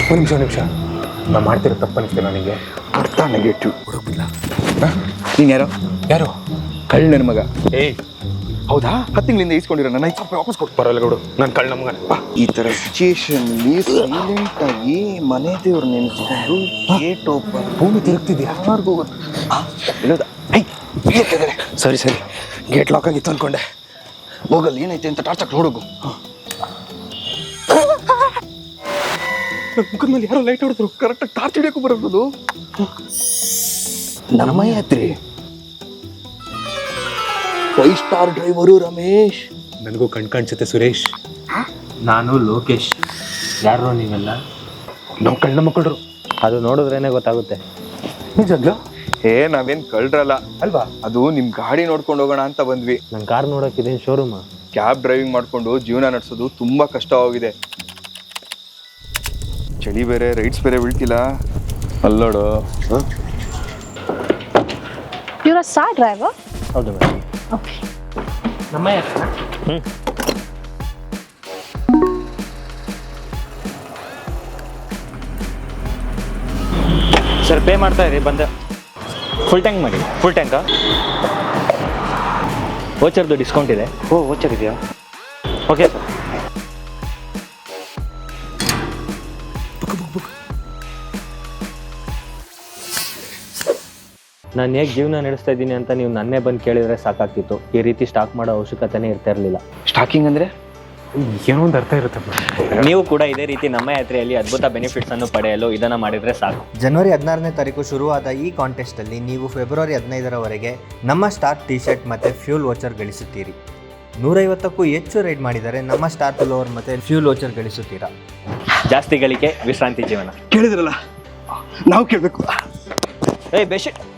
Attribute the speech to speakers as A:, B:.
A: ಒಂದು ನಿಮಿಷ ನಾ ಮಾಡ್ತಿರೋ ತಪ್ಪು ಅನಿಸ್ತೆ ನನಗೆ.
B: ಅರ್ಥ ನೆಗೆಟಿವ್
A: ಹುಡುಗಿಲ್ಲ.
B: ನೀನು ಯಾರು ಕಳ್ಳ ನನ್ನ ಮಗ.
A: ಏಯ್
B: ಹೌದಾ? 10 ತಿಂಗಳಿಂದ ಈಸ್ಕೊಂಡಿರೋ ನನ್ನ 5,000 ರೂಪಾಯಿ ವಾಪಸ್ ಕೊಟ್ಟು.
A: ಬರೋಲ್ಲ ಬಿಡು, ನಾನು ಕಳ್ಳ ಮಗನ.
B: ಈ ಥರ ಸಿಚುಯೇಷನ್ಲಿ ಸೈಲೆಂಟ್ ಆಗಿ ಮನೆ ದೇವ್ರು ನೆನೆಸ್ಕೊಂಡು ಗೇಟ್ ಓಪನ್.
A: ಭೂಮಿ ತಿರುಗ್ತಿದ್ಯಾ?
B: ಯಾರಿಗೂ ಗೊತ್ತು ಹೇಳೋದ.
A: ಸರಿ ಗೇಟ್ ಲಾಕ್ ಆಗಿತ್ತು ಅನ್ಕೊಂಡೆ.
B: ಹೋಗಲ್ಲ ಏನೈತೆ ಅಂತ ಟಾರ್ಚ್ ಹಾಕಿ ನೋಡೋಗು.
A: ನನ್ನ ಮುಖದ ಮೇಲೆ ಯಾರೋ ಲೈಟ್ ಹೊಡೆದ್ರು.
B: ಕರೆಕ್ಟಾಗಿ ಟಾರ್ಚ್ ಹಿಡಿಯೋಕ್ಕೂ ಬರೋದು. ನಮ್ಮ ಯಾತ್ರೆ 5 ಸ್ಟಾರ್ ಡ್ರೈವರು ರಮೇಶ್.
A: ನನಗೂ ಕಾಣಿಸುತ್ತೆ ಸುರೇಶ್.
C: ನಾನು ಲೋಕೇಶ್. ಯಾರು ನೀವೆಲ್ಲ?
A: ನಾವು ಕಳ್ಳ ಮಕ್ಕಳು.
C: ಅದು ನೋಡಿದ್ರೇನೆ ಗೊತ್ತಾಗುತ್ತೆ.
A: ನಿಜಾಗ್ಲೂ?
B: ನಾವೇನ್ ಕಳ್ರಲ್ಲ
A: ಅಲ್ವಾ?
B: ಅದು ನಿಮ್ ಗಾಡಿ ನೋಡ್ಕೊಂಡು ಹೋಗೋಣ ಅಂತ ಬಂದ್ವಿ.
C: ನನ್ನ ಕಾರ್ ನೋಡೋಕ್ಕಿದೇನು ಶೋರೂಮಾ?
B: ಕ್ಯಾಬ್ ಡ್ರೈವಿಂಗ್ ಮಾಡ್ಕೊಂಡು ಜೀವನ ನಡೆಸೋದು ತುಂಬಾ ಕಷ್ಟವಾಗಿದೆ. ಚಳಿ ಬೇರೆ, ರೈಡ್ಸ್ ಬೇರೆ ಬೀಳ್ತಿಲ್ಲ. ಅಲ್ಲೋಡು.
D: You're a star driver?
C: ಹೌದು ಮೇಡಮ್.
D: Okay.
C: ನಮ್ಮ ಯಾಕೆ? ಸರ್ ಪೇ ಮಾಡ್ತಾ ಇರಿ, ಬಂದೆ. ಫುಲ್ ಟ್ಯಾಂಕ್ ಮಾಡಿ. ಫುಲ್ ಟ್ಯಾಂಕಾ? ವೋಚರ್ದು ಡಿಸ್ಕೌಂಟ್ ಇದೆ. ಓ ವೋಚರ್ ಇದೆಯಾ? Okay sir. ನಾನು ಹೇಗೆ ಜೀವನ ನಡೆಸ್ತಾ ಇದ್ದೀನಿ ಅಂತ ನೀವು ನನ್ನೇ ಬಂದು ಕೇಳಿದರೆ ಸಾಕಾಗ್ತಿತ್ತು. ಈ ರೀತಿ ಸ್ಟಾಕ್ ಮಾಡೋ ಅವಶ್ಯಕತೆನೇ ಇರ್ತಾ ಇರಲಿಲ್ಲ.
B: ಸ್ಟಾಕಿಂಗ್ ಅಂದ್ರೆ
A: ಏನೋ ಒಂದು ಅರ್ಥ ಇರುತ್ತೆ.
C: ನೀವು ಕೂಡ ಇದೇ ರೀತಿ ನಮ್ಮ ಯಾತ್ರೆಯಲ್ಲಿ ಅದ್ಭುತ ಬೆನಿಫಿಟ್ಸ್ ಅನ್ನು ಪಡೆಯಲು ಇದನ್ನು ಮಾಡಿದರೆ ಸಾಕು.
E: ಜನವರಿ 16ನೇ ತಾರೀಕು ಶುರುವಾದ ಈ ಕಾಂಟೆಸ್ಟಲ್ಲಿ ನೀವು ಫೆಬ್ರವರಿ 15ರವರೆಗೆ ನಮ್ಮ ಸ್ಟಾರ್ ಟಿ ಶರ್ಟ್ ಮತ್ತು ಫ್ಯೂಲ್ ವೋಚರ್ ಗಳಿಸುತ್ತೀರಿ. 150ಕ್ಕೂ ಹೆಚ್ಚು ರೈಡ್ ಮಾಡಿದರೆ ನಮ್ಮ ಸ್ಟಾರ್ ಪುಲೋವರ್ ಮತ್ತು ಫ್ಯೂಲ್ ವೋಚರ್ ಗಳಿಸುತ್ತೀರಾ.
C: ಜಾಸ್ತಿ ಗಳಿಕೆ, ವಿಶ್ರಾಂತಿ ಜೀವನ.
B: ಕೇಳಿದ್ರಲ್ಲ, ನಾವು ಕೇಳಬೇಕು.
C: ಏಯ್ ಬೆಡ್ಶೀಟ್